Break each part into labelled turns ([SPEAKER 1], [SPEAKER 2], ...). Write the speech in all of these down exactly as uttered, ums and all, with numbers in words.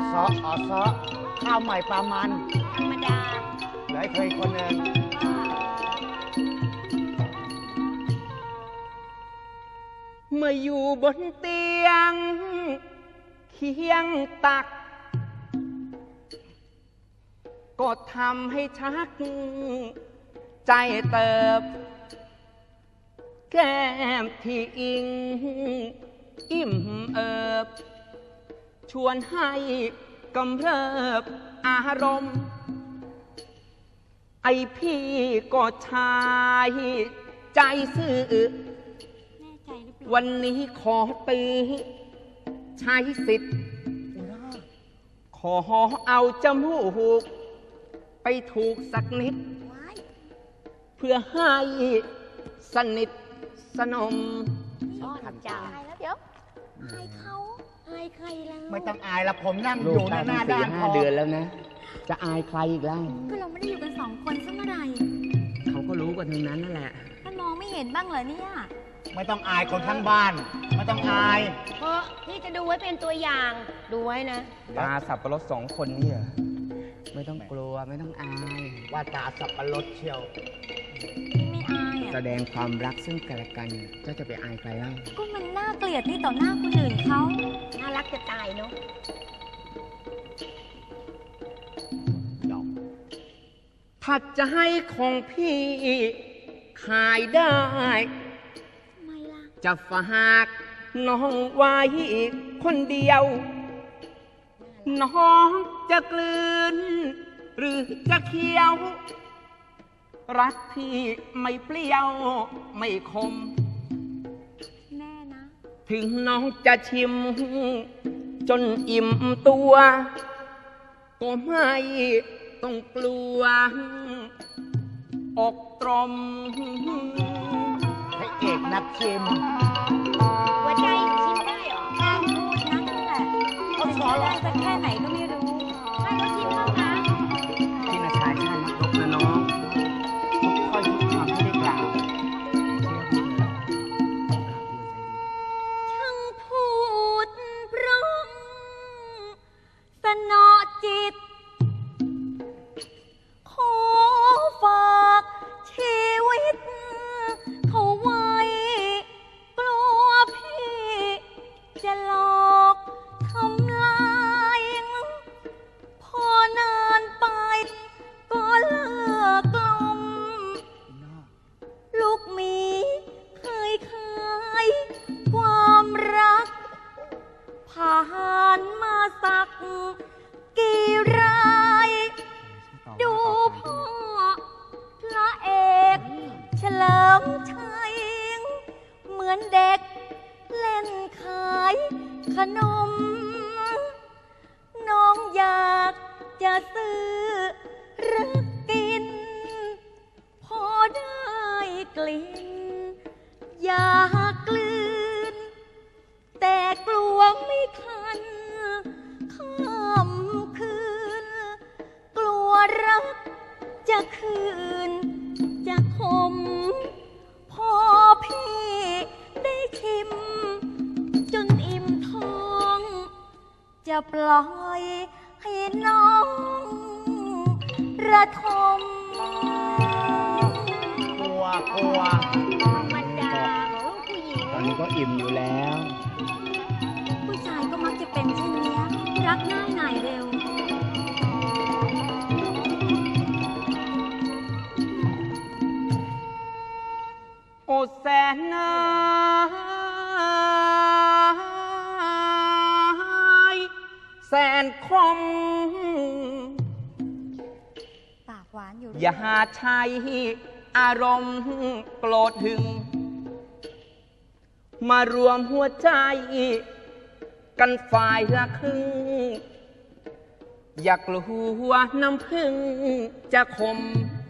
[SPEAKER 1] ซออซอข้าวใหม่ปลามัน
[SPEAKER 2] ธรรมดา
[SPEAKER 1] แล้วเคยคนหนึ่ง
[SPEAKER 3] เมื่ออยู่บนเตียงเคียงตักก็ทำให้ชักใจเติบแก้มที่อิงอิ่มเอิบชวนให้กำเริบอารมณ์ไอพี่ก็ชายใจซื่อวันนี้ขอตื้อใช้สิทธิ์ขอเอาจมูกไปถูกสักนิดเพื่อให้สนิทสนม
[SPEAKER 2] อ้อนใจแล้วเดี๋ยวอายเขาอายใครแล้ว
[SPEAKER 1] ไม่ต้องอายละผมนั่งอยู่หน้าหน้าด้าน
[SPEAKER 3] ห้าเดือนแล้วนะจะอายใครอีกแล้ว
[SPEAKER 2] ก็เราไม่ได้อยู่กันสองคนซะเมื่อไหร่
[SPEAKER 3] เขาก็รู้กันทั้งนั้นนั่นแหละ
[SPEAKER 2] มันมองไม่เห็นบ้างเหรอเนี่ย
[SPEAKER 1] ไม่ต้องอายคนทั้งบ้านไม่ต้องอาย
[SPEAKER 2] เพราะพี่จะดูไว้เป็นตัวอย่างดูไว้นะ
[SPEAKER 3] ตาสับปะรดสองคนนี่ไม่ต้องกลัวไม่ต้องอาย
[SPEAKER 1] ว่าตาสับปะรดเชียว
[SPEAKER 2] ไม่อายอ่ะ
[SPEAKER 3] แสดงความรักซึ่งกันและกันเจ้าจะไปอายใครเล่า
[SPEAKER 2] ก็มันน่าเกลียดนี่ต่อหน้าคนอื่นเขาน่ารักจะตายเนาะ
[SPEAKER 3] ถ้าจะให้ของพี่ขายได้จะฝากน้องไว้คนเดียวน้องจะกลืนหรือจะเคี้ยวรักพี่ไม่เปรี้ยวไม่คม
[SPEAKER 2] แน่นะ
[SPEAKER 3] ถึงน้องจะชิมจนอิ่มตัวก็ไม่ต้องกลัวอกตรม
[SPEAKER 1] ให้เอกนักชิม
[SPEAKER 2] หัวใจชิมได้หรอพูดนั่นแหละเขาสอนได้สักแค่ไหนก็ไม่รู้ให้เขาชิมบ้างนะ
[SPEAKER 3] ที่นาชายชาติยกนะน้องทุกข้อทุกคำที่ได้กล่าว
[SPEAKER 2] ช่างพูดเพราะสนอจิตขอฝากชีวิตเขาไว้กลัวพี่จะหลอกทำลายพอนานไปก็เลิกกลมลูกมีเคยขายความรักผ่านมาสักกี่รายดูพ่อพระเอกเฉลิมชัยเหมือนเด็กเล่นขายขนมน้องอยากจะซื้อหรือกินพอได้กลิ่นอยากกลืนแต่กลัวไม่ทันค่ำคืนกลัวรักจะคืนจะคมพอพี่ได้ชิมจนอิ่มท้องจะปล่อยให้น้องระทม
[SPEAKER 1] กลัวกลัว
[SPEAKER 2] ธรรมดาของลูกผู้หญิง
[SPEAKER 3] ตอนนี้ก็อิ่มอยู่แล้ว
[SPEAKER 2] ผู้ชายก็มักจะเป็นเช่นนี้รักง่ายหน่ายเร็ว
[SPEAKER 3] โอแสนนาแสนคม
[SPEAKER 2] ปากหวานอยู่
[SPEAKER 3] อย่าใช้อารมณ์โกรธหึงมารวมหัวใจกันฝ่ายละครึ่งอย่ากลัวน้ำพึ่งจะคม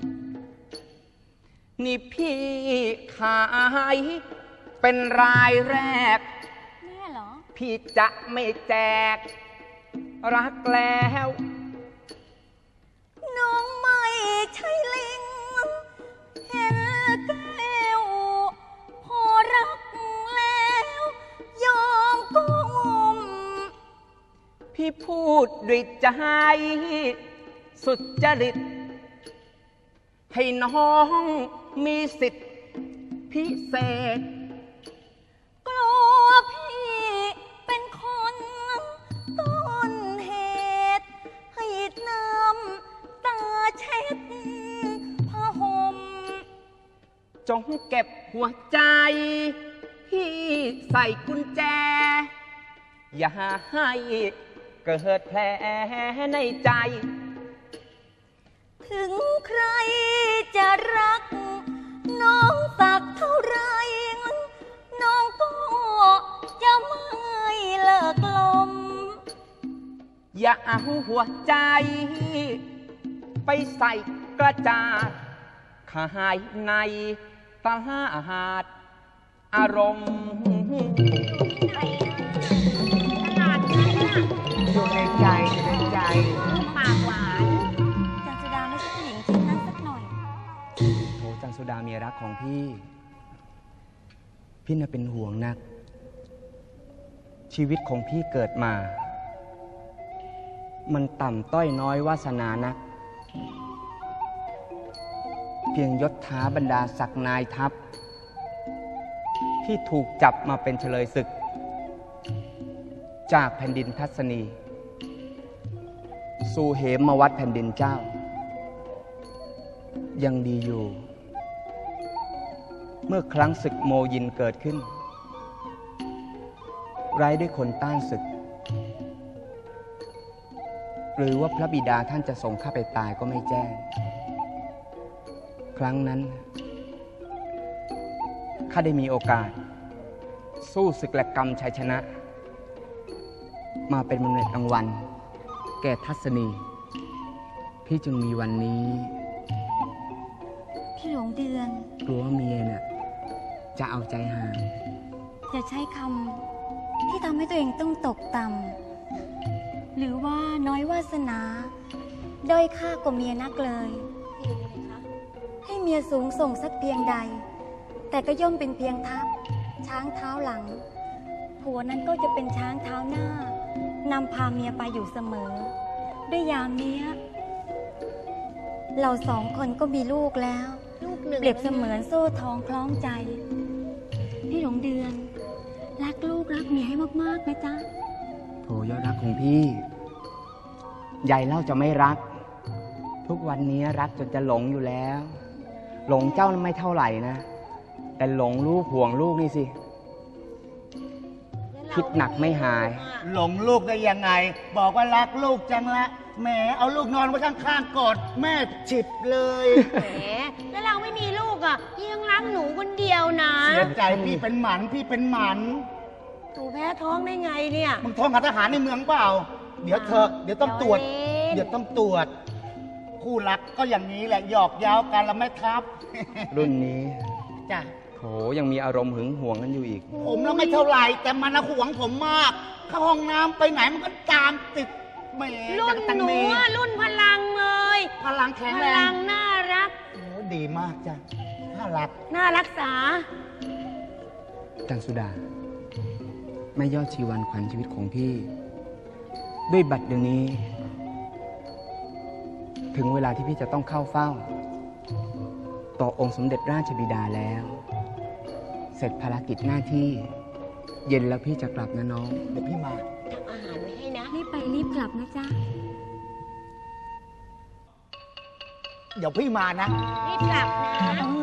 [SPEAKER 3] นี่พี่ขายเป็นรายแรก
[SPEAKER 2] แม่เหรอ
[SPEAKER 3] พี่จะไม่แจกรักแล้ว
[SPEAKER 2] น้องไม่ใช่ลิงเห็นแก้วพอรักแล้วยอมก้ม
[SPEAKER 3] พพี่พูดด้วยใจสุจริตให้น้องมีสิทธิพิเศษ
[SPEAKER 2] กลัวพี่เป็นคนต้นเหตุให้น้ำตาเช็ดผ้าห่ม
[SPEAKER 3] จงเก็บหัวใจพี่ใส่กุญแจอย่าให้เกิดแผลในใจ
[SPEAKER 2] ถึงใครจะรักน้องสักเท่าไรน้องก็จะไม่เลิกลม
[SPEAKER 3] อย่าเอาหัวใจไปใส่กระจาดขายในตลาดอารมณ์
[SPEAKER 1] อยู่ในใจอยู่ในใจ
[SPEAKER 2] ปากหวานจันสุดาไม่ใช่ผู้หญิงเช่นนั้นสักหน่อย
[SPEAKER 3] โถจันสุดาเมียรักของพี่พี่น่ะเป็นห่วงนักชีวิตของพี่เกิดมามันต่ำต้อยน้อยวาสนานักเพียงยศถาบรรดาศักดิ์นายทัพที่ถูกจับมาเป็นเฉลยศึกจากแผ่นดินทัศนีสู่เหมวัดแผ่นดินเจ้ายังดีอยู่เมื่อครั้งศึกโมยินเกิดขึ้นไร้ด้วยคนต้านศึกหรือว่าพระบิดาท่านจะส่งข้าไปตายก็ไม่แจ้งครั้งนั้นข้าได้มีโอกาสสู้ศึกและกรรมชัยชนะมาเป็นมนุษย์รางวัลแก่ทัศนีพี่จึงมีวันนี้
[SPEAKER 2] พี่หลงเดือน
[SPEAKER 3] กลัวเมียน่ะจะเอาใจห่าง
[SPEAKER 2] อย่าใช้คำที่ทำให้ตัวเองต้องตกต่ำหรือว่าน้อยวาสนาด้อยค่ากว่าเมียนักเลยให้เมียสูงส่งสักเพียงใดแต่ก็ย่อมเป็นเพียงทัพช้างเท้าหลังผัวนั้นก็จะเป็นช้างเท้าหน้านำพาเมียไปอยู่เสมอด้วยยามนี้เราสองคนก็มีลูกแล้วเปรียบเสมือนโซ่ทองคล้องใจพี่หลงเดือนรักลูกรักเมียให้มากๆนะจ๊ะ
[SPEAKER 3] โถยอดรักของพี่ใหญ่เล่าจะไม่รักทุกวันนี้รักจนจะหลงอยู่แล้วหลงเจ้าไม่เท่าไหร่นะแต่หลงลูกห่วงลูกนี่สิคิดหนักไม่หาย
[SPEAKER 1] หลงลูกได้ยังไงบอกว่ารักลูกจังละแหมเอาลูกนอนไว้ข้างๆกอดแม่ฉิบเลย
[SPEAKER 2] แหมแล้วเราไม่มีลูกอ่ะพี่ยังรักหนูคนเดียวนะ
[SPEAKER 1] เสียใจพี่เป็นหมันพี่เป็นหมัน
[SPEAKER 2] หนูแพ้ท้องได้ไงเนี่ย
[SPEAKER 1] มึงท้องกับทหารในเมืองเปล่าเดี๋ยวเธอเดี๋ยวต้องตรวจเดี๋ยวต้องตรวจคู่รักก็อย่างนี้แหละหยอกเย้ากันแล้วไม่ทับ
[SPEAKER 3] รุ่นนี้
[SPEAKER 1] จ้ะ
[SPEAKER 3] โถยังมีอารมณ์หึงหวงกันอยู่อีก
[SPEAKER 1] ผมแล้วไม่เท่าไหร่แต่มันหวงผมมากเข้าห้องน้ำไปไหนมันก็ตามติดแหม
[SPEAKER 2] รุ่นหนูรุ่นพลังเลย
[SPEAKER 1] พลังแข็งแรง
[SPEAKER 2] พลังน่ารัก
[SPEAKER 1] โอ้ดีมากจ้ะน่ารัก
[SPEAKER 2] น่ารักษา
[SPEAKER 3] จันสุดาไม่ยอดชีวันขวัญชีวิตของพี่ด้วยบัดเดี๋ยวนี้ถึงเวลาที่พี่จะต้องเข้าเฝ้าต่อองค์สมเด็จราชบิดาแล้วเสร็จภารกิจหน้าที่เย็นแล้วพี่จะกลับนะน้อง
[SPEAKER 1] เดี๋ยวพี่มา
[SPEAKER 2] ทำอาหารไว้ให้นะรีบไปรีบกลับนะจ๊ะ
[SPEAKER 1] เดี๋ยวพี่มานะ
[SPEAKER 2] รีบกลับนะ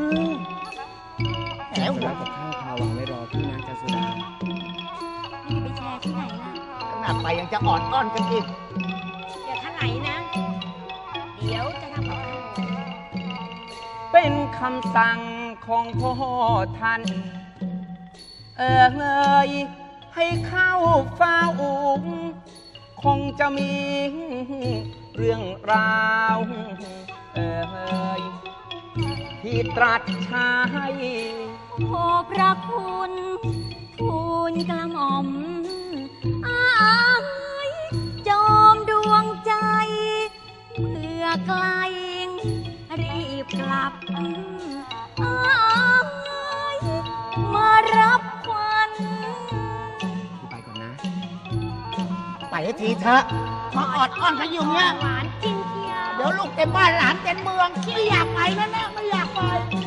[SPEAKER 3] แล้วร้านกับข้าวพาวางไว้รอพี่นะจันสุดา
[SPEAKER 2] ไม่ไปแชร์ที่ไหนล่ะ
[SPEAKER 1] ขนาดไปยังจะอ่อนอ้อนกันอีก
[SPEAKER 2] อย่าท่าไหนนะเดี๋ยวจะทำกับข้าว
[SPEAKER 3] เป็นคำสั่งของพ่อท่านเอ่ยให้เข้าเฝ้าคงจะมีเรื่องราวเอ่ยที่ตรัสใช้
[SPEAKER 2] ขอพระคุณทูลกระหม่อมอ้ายจอมดวงใจเมื่อไกลรีบกลับอ้ายมารับควัน
[SPEAKER 3] ไปก่อนนะ
[SPEAKER 1] ไปให้ทีเถอะมาออดอ้อนกันอยู่เงี้ย
[SPEAKER 2] หวานจริงเชียว
[SPEAKER 1] เดี๋ยวลูกเต็มบ้านหลานเต็มเมืองไม่อยากไปนั่นแหละไม่อยากไป